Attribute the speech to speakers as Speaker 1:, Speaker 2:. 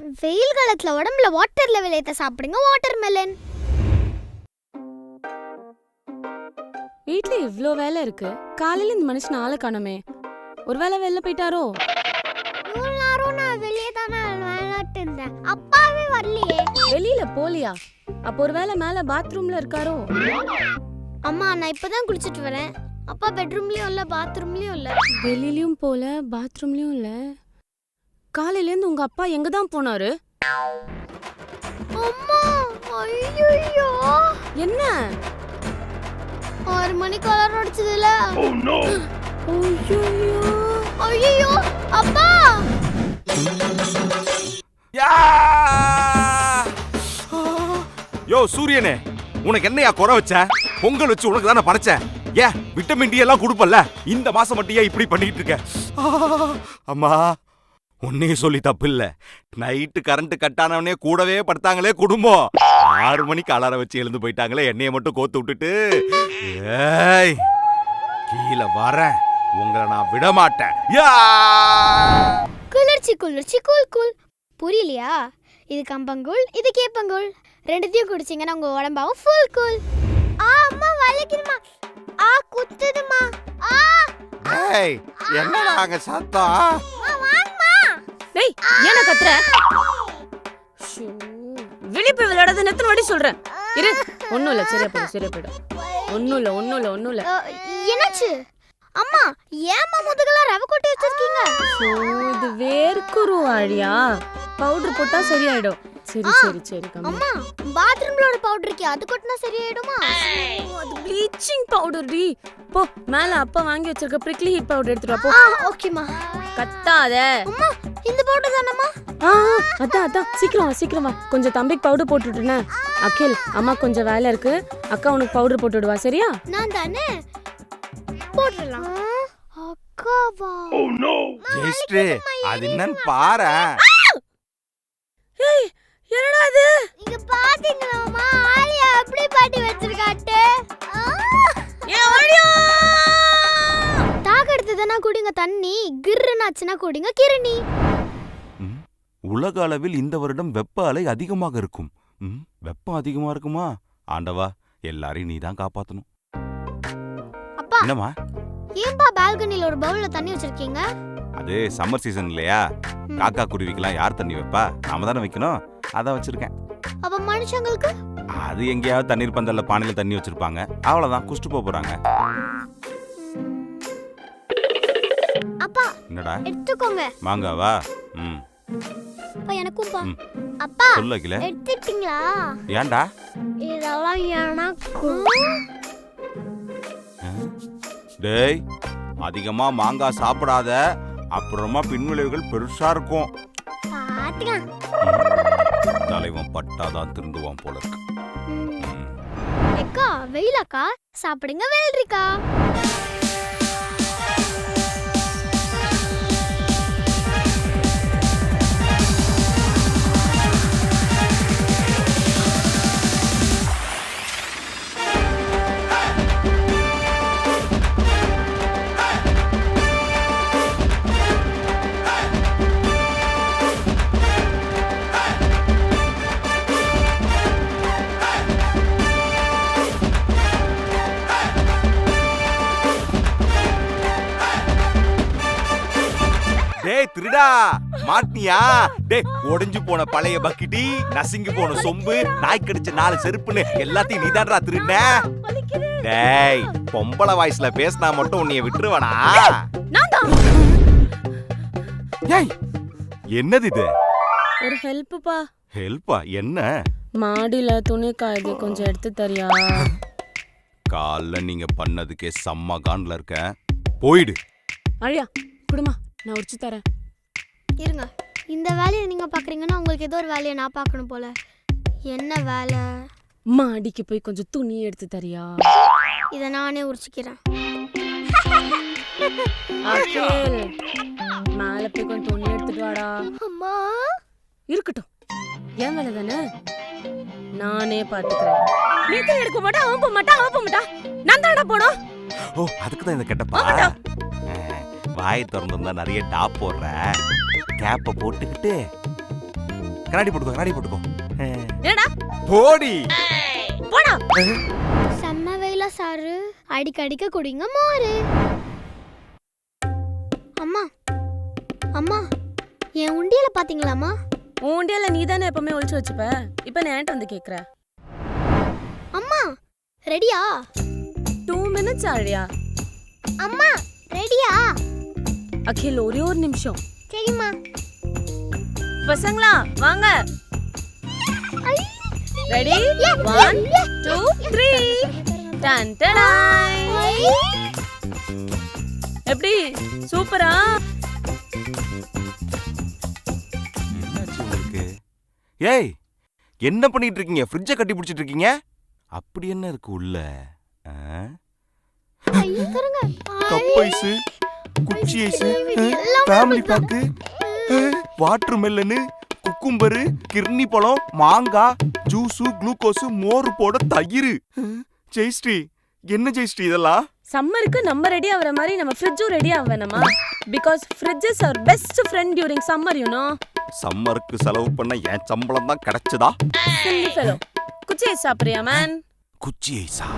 Speaker 1: வெயில் காலத்துல உடம்புல வாட்டர் லெவல் ஏத்த சாப்பிடுங்க வாட்டர் மெலன்.
Speaker 2: வீட்ல இவ்ளோ வேலை இருக்கு, காலையில இந்த மனுஷன் ஆளை காணோமே. ஒருவேளை வெளில போயிட்டாரோ?
Speaker 1: நான் வெளியே தானே விளையாட்டு இருந்தேன், அப்பாவே வரலையே.
Speaker 2: வெளியில போலியா? அப்போ ஒருவேளை மேல பாத்ரூம்ல இருக்காரோ?
Speaker 1: அம்மா நான் இப்பதான் குளிச்சிட்டு வரேன், அப்பா பெட்ரூம்லயும் இல்ல பாத்ரூம்லயும் இல்ல.
Speaker 2: வெளியிலயும் போல பாத்ரூம்லயும் இல்ல. காலையில இருந்து உங்க அப்பா எங்க தான் போனாரு?
Speaker 1: அம்மா ஐயோ
Speaker 2: என்ன
Speaker 1: 6 மணிக்கு அலாரம் அடிச்சதுல. ஐயோ அப்பா.
Speaker 3: யோ சூரியனே, உனக்கு என்னையா குறை வச்ச? பொங்கல் வச்சு உனக்கு தானே படைச்சேன். ஏன் விட்டமின் டி எல்லாம் கொடுப்பல்ல, இந்த மாசம் மட்டும் ஏன் இப்படி பண்ணிட்டு இருக்க? அம்மா உன்னையே சொல்லி தப்பு இல்ல. நைட்டு கரண்ட் கட் ஆனவனே கூடவே படுத்தாங்களே குடும்பம். 6 மணிக்கு அலாரம் வச்சு எழுந்து போயிட்டாங்களே, என்னைய மட்டும் கோத்து விட்டுட்டு. ஏய் கீழே வரேன், உங்களை நான் விட மாட்டேன்.
Speaker 1: குளிர்ச்சி குளிர்ச்சி கூல் கூல். புரியலையா? இது கம்பங்கூழ், இது கேப்பங்கூழ். ரெண்டுத்தையும் குடிச்சிங்கன்னா உங்க உடம்பாவும் ஃபுல் கூல். அம்மா வலிக்குதுமா, குத்துதுமா.
Speaker 3: ஏய் என்னடா அங்க சத்தம்?
Speaker 2: டேய் ஏன கத்துற? வெளிய போய் விளையாடாத, எத்தனை வாட்டி சொல்றேன். இரு, ஒண்ணும் இல்ல, சரியா போயிடும். ஒண்ணும் இல்ல.
Speaker 1: என்னாச்சு அம்மா? ஏம்மா முதுகுல ரவை கொட்டி வச்சிருக்கீங்க?
Speaker 2: இது வேர்க்குரு ஆழியா, பவுடர் போட்டா சரியாயிடும். சரி
Speaker 1: அம்மா பாத்ரூம்ல ஒரு பவுடர் இருக்கே, அது கொட்டினா சரியாயிடுமா?
Speaker 2: அது ப்ளீச்சிங் பவுடர் டி. போ மேல அப்பா வாங்கி வச்சிருக்க பிரிக்லி ஹீட் பவுடர் எடுத்துட்டு வா போ.
Speaker 1: ஓகேமா.
Speaker 2: கத்தாத
Speaker 1: அம்மா, இந்த பவுடர் தானம்மா?
Speaker 2: அதான் சீக்கிரம் வா. கொஞ்சம் தம்பிக்கு பவுடர் போட்டு விட்டுனே. அகில், அம்மா கொஞ்சம் வேலை இருக்கு, அக்கா உனக்கு பவுடர் போட்டு விடுவா, சரியா?
Speaker 1: நான் தானே போடலாம். அக்காவா?
Speaker 3: ஓ நோ ஜெஸ்ட்ரே, அது என்னன்னு பாரு.
Speaker 2: ஏய் என்னடா இது?
Speaker 1: இங்க பாத்தீங்களா அம்மா, ஆலியா அப்படியே பாட்டி வச்சிருக்காட்டே.
Speaker 2: ஏ ஆலியா,
Speaker 1: தாக எடுத்ததனா குடிங்க தண்ணி, கிர்றனாச்சுனா குடிங்க கிரணி.
Speaker 3: உலக அளவில் இந்த வருடம் வெப்ப அலை அதிகமாக இருக்கும். வெப்பம் அதிகமா இருக்குமா? ஆண்டவா, எல்லாரையும் நீதான் காப்பாத்தணும்.
Speaker 1: அப்பா
Speaker 3: என்னம்மா?
Speaker 1: ஏன்பா பால்கனில ஒரு பவுல்ல தண்ணி வச்சிருக்கீங்க?
Speaker 3: அது சம்மர் சீசன் இல்லையா, காக்கா குருவிக்கெல்லாம் யார் தண்ணி வைப்பா? நாம தானே வைக்கணும், அதான் வச்சிருக்கேன்.
Speaker 1: அப்ப மனுஷங்களுக்கு?
Speaker 3: அது எங்கேயாவது தண்ணீர் பந்தல்ல பானையில தண்ணி வச்சிருப்பாங்க, அவ்வளவுதான், குடிச்சிட்டு போறாங்க.
Speaker 1: அப்பா
Speaker 3: என்னடா
Speaker 1: எடுத்துக்கோங்க.
Speaker 3: மாங்காவா?
Speaker 1: அப்பா எனக்கும் பா. அப்பா
Speaker 3: சொல்லல,
Speaker 1: எடுத்துட்டீங்களா?
Speaker 3: ஏன்டா?
Speaker 1: இதெல்லாம் எனக்கு.
Speaker 3: டேய் அதிகமா மாங்காய் சாப்பிடாத, அப்புறமா பின்விளைவுகள் பெருசா இருக்கும்.
Speaker 1: பாத்துக்கலாம்.
Speaker 3: தலைவன் பட்டாதான் திருந்துவான் போல இருக்கு.
Speaker 1: அக்கா வெயிலக்கா சாப்பிடுங்க வெள்ளரிக்கா.
Speaker 3: டேய் திருடா, மாட்டினியா? டேய் ஒடிஞ்சு போன பழைய பக்கிட்டி, நசுங்கி போன சொம்பு, நாய் கடிச்ச 4 செருப்புன்னு எல்லாத்தையும் நீதான்டா திருடுன. டேய் பொம்பளை வாய்ஸ்ல பேசினா மட்டும் உன்னைய விட்டுருவனா? ஏய் என்னது இது?
Speaker 2: ஒரு ஹெல்ப்பா.
Speaker 3: ஹெல்ப்பா? என்ன?
Speaker 2: மாடியில துணி காயுது, கொஞ்சம் எடுத்து தரியா?
Speaker 3: காலைல நீங்க பண்ணதுக்கே செம்ம கான்ல இருக்கேன், போயிடு.
Speaker 2: அழியா குடுமா, நான் உரிச்சு தரேன்.
Speaker 1: இருங்க, இந்த வேலையை நீங்க பாக்குறீங்கன்னா உங்களுக்கு ஏதோ ஒரு வேலையை நான் பார்க்கணும் போல. என்ன வேலை?
Speaker 2: மாடிக்கு போய் கொஞ்சம் துணி எடுத்து தரியா?
Speaker 1: இத நானே உரிச்சுக்கிறேன்.
Speaker 2: அகில், மேல போய் கொஞ்சம் துணி எடுத்துட்டு வாடா.
Speaker 1: அம்மா
Speaker 2: இருக்கட்டும், என் வேலை தானே, நானே பாத்துக்கிறேன். நீ தான் எடுக்க மாட்டா, அவன் போக மாட்டா, நான் தானடா போனோம்.
Speaker 3: ஓ அதுக்கு தான் இந்த கெட்டப்பா. வாயை திறந்துருந்தா நிறைய டாப் போடுற, கேப்பை போட்டுக்கிட்டு கண்ணாடி போட்டுக்கோ
Speaker 2: ஏடா
Speaker 3: போடி.
Speaker 2: போடா.
Speaker 1: செம்ம வெயிலா சாரு, அடிக்கடிக்க குடிங்க மோரு. அம்மா அம்மா, என் உண்டியல பாத்தீங்களாம்மா?
Speaker 2: உன் உண்டியல நீ தானே எப்பவுமே ஒளிச்சு வச்சுப்ப, இப்ப நான் ஏன்ட்ட வந்து கேக்குற?
Speaker 1: அம்மா ரெடியா?
Speaker 2: 2 minutes ஆழியா?
Speaker 1: அம்மா ரெடியா?
Speaker 2: அகில் ஒரே ஒரு நிமிஷம்.
Speaker 1: சரிம்மா.
Speaker 2: பசங்களா வாங்க. ரெடி? 1 2 3 டன் டடாய். எப்படி சூப்பரா?
Speaker 3: என்னாச்சு உங்களுக்கு? ஏய், என்ன பண்ணிட்டு இருக்கீங்க? ஃப்ரிட்ஜை கட்டி பிடிச்சிட்டு இருக்கீங்க? அப்படி என்ன இருக்கு உள்ள? கப் ஐஸ், குச்சி ice, family pack, water melon, cucumber, கிர்னி பழம், மாங்காய், ஜூஸு, குளுக்கோஸ், மோர் போட தயிர். ஜெயஸ்ரீ, என்ன ஜெயஸ்ரீ இதெல்லாம்?
Speaker 2: சம்மருக்கு நம்ம ரெடி ஆகுற மாதிரி நம்ம ஃப்ரிட்ஜும் ரெடி ஆக வேணாமா? Because fridge is our best friend during summer, you know.
Speaker 3: சம்மருக்கு செலவு பண்ண என் சம்பளம் தான் கிடைச்சதா?
Speaker 2: Silly fellow. குச்சி ஐஸ் சாப்பிடுறியா மேன்?
Speaker 3: குச்சி ஐஸா?